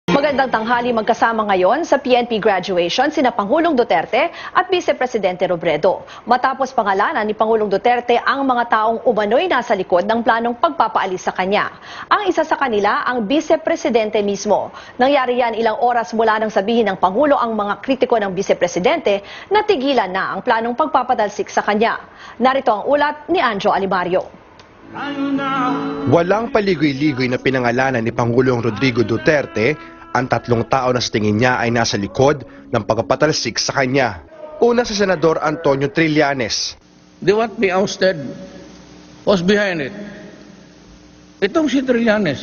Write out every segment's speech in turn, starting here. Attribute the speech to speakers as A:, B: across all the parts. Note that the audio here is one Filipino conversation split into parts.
A: Magandang tanghali, magkasama ngayon sa PNP graduation sina Pangulong Duterte at Vice Presidente Robredo. Matapos pangalanan ni Pangulong Duterte ang mga taong umano'y nasa likod ng planong pagpapaalis sa kanya. Ang isa sa kanila ang Vice Presidente mismo. Nangyari yan ilang oras mula nang sabihin ng Pangulo ang mga kritiko ng Vice Presidente na tigilan na ang planong pagpapadalsik sa kanya. Narito ang ulat ni Anjo Alimario.
B: Walang paligoy-ligoy na pinangalanan ni Pangulong Rodrigo Duterte ang tatlong tao na sa tingin niya ay nasa likod ng pagpapatalsik sa kanya. Una si Senador Antonio Trillanes.
C: They want me ousted. What's behind it? Itong si Trillanes.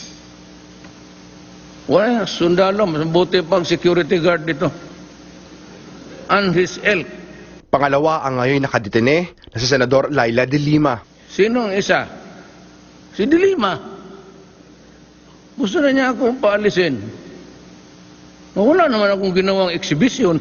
C: Wala, sundalo, mabuti pang security guard dito. And his ilk.
B: Pangalawa ang ngayon nakadetene na si Senador Laila de Lima.
C: Sinong isa? Si De Lima. Gusto na niya akong paalisin. Wala naman akong ginawang exhibition.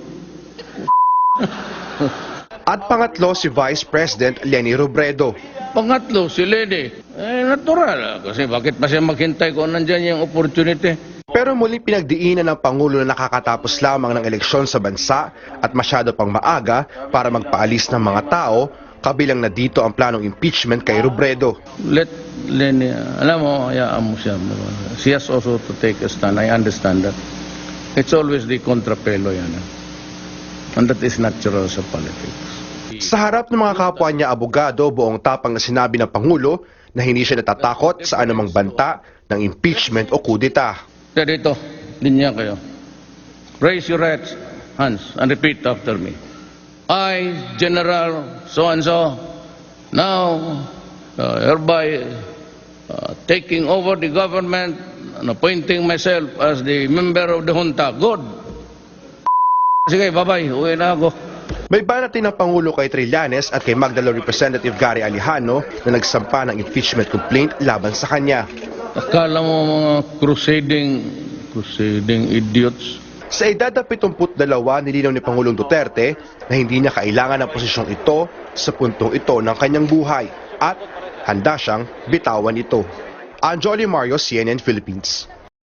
B: At pangatlo si Vice President Leni Robredo.
C: Pangatlo, si Leni. Natural. Kasi bakit pa siya maghintay kung nandyan yung opportunity?
B: Pero muling pinagdiinan ng Pangulo na nakakatapos lamang ng eleksyon sa bansa at masyado pang maaga para magpaalis ng mga tao, kabilang na dito ang planong impeachment kay Robredo.
C: Let Leni, alam mo, hayaan mo siya. She has also to take a stand. I understand that. It's always the kontrapelo yan. And that is natural sa politics.
B: Sa harap ng mga kapwa niya abogado, buong tapang na sinabi ng Pangulo na hindi siya natatakot sa anumang banta ng impeachment o kudeta.
C: Kaya dito, linya kayo. Raise your right hands and repeat after me. I, General so-and-so, now hereby taking over the government and appointing myself as the member of the junta. Good. Sige, bye-bye. Uwi na ako.
B: May banat din ng Pangulo kay Trillanes at kay Magdalo Representative Gary Alejano na nagsampa ng impeachment complaint laban sa kanya.
C: Akala mo mga crusading idiots.
B: Sa edad na 72, nilinaw ni Pangulong Duterte na hindi niya kailangan ng posisyong ito sa puntong ito ng kanyang buhay at handa siyang bitawan ito. Anjo Alimario, CNN Philippines.